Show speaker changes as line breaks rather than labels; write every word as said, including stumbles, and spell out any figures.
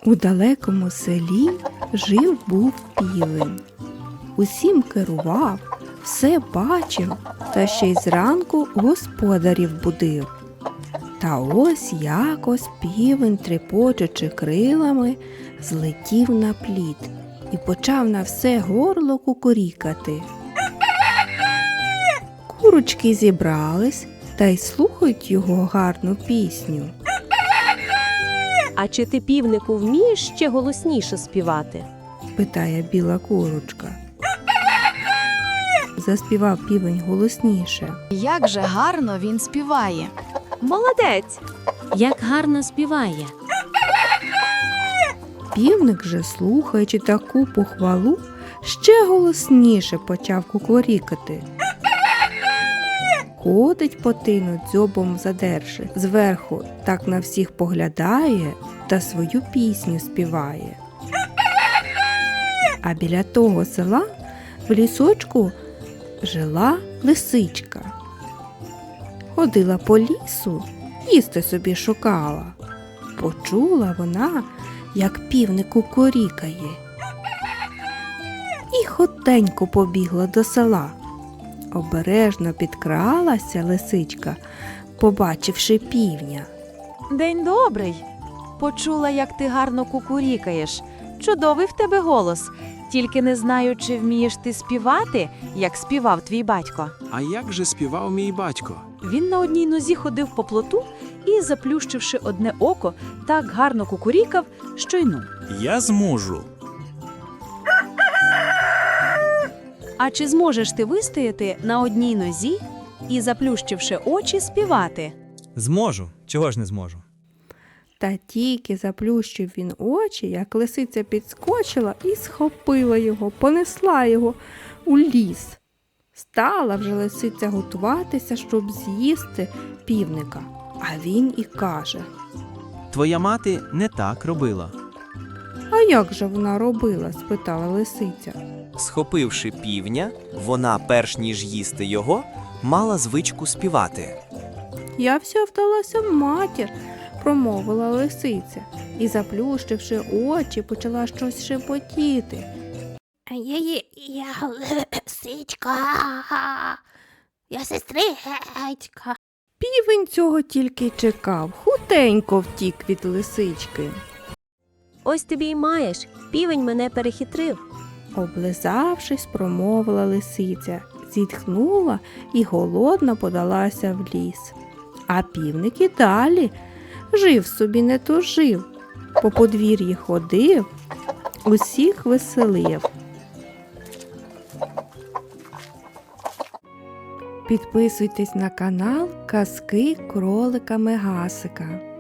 У далекому селі жив був півень. Усім керував, все бачив, та ще й зранку господарів будив. Та ось якось півень, трепочучи крилами, злетів на плід і почав на все горло кукурікати. Курочки зібрались та й слухають його гарну пісню.
А чи ти, півнику, вмієш ще голосніше співати?
Питає біла курочка. Заспівав півень голосніше.
Як же гарно він співає.
Молодець!
Як гарно співає.
Півник же, слухаючи таку похвалу, ще голосніше почав кукурікати. Ходить по тину, дзьобом задерши, зверху так на всіх поглядає та свою пісню співає. А біля того села в лісочку жила лисичка. Ходила по лісу, їсти собі шукала. Почула вона, як півник кукурікає. І хотенько побігла до села. Обережно підкралася лисичка, побачивши півня.
День добрий. Почула, як ти гарно кукурікаєш. Чудовий в тебе голос. Тільки не знаю, чи вмієш ти співати, як співав твій батько.
А як же співав мій батько?
Він на одній нозі ходив по плоту і, заплющивши одне око, так гарно кукурікав, що й ну.
Я зможу.
А чи зможеш ти вистояти на одній нозі і, заплющивши очі, співати?
Зможу. Чого ж не зможу?
Та тільки заплющив він очі, як лисиця підскочила і схопила його, понесла його у ліс. Стала вже лисиця готуватися, щоб з'їсти півника. А він і каже:
Твоя мати не так робила.
«А як же вона робила?» – спитала лисиця.
Схопивши півня, вона, перш ніж їсти його, мала звичку співати.
«Я вся вдалася в матір», – промовила лисиця, і, заплющивши очі, почала щось шепотіти.
Я, я, я лисичка, я сестричка.
Півень цього тільки й чекав, хутенько втік від лисички.
Ось тобі й маєш, півень мене перехитрив.
Облизавшись, промовила лисиця, зітхнула і голодно подалася в ліс. А півник і далі жив собі не тужив, по подвір'ї ходив, усіх веселив. Підписуйтесь на канал Казки кролика Мегасика.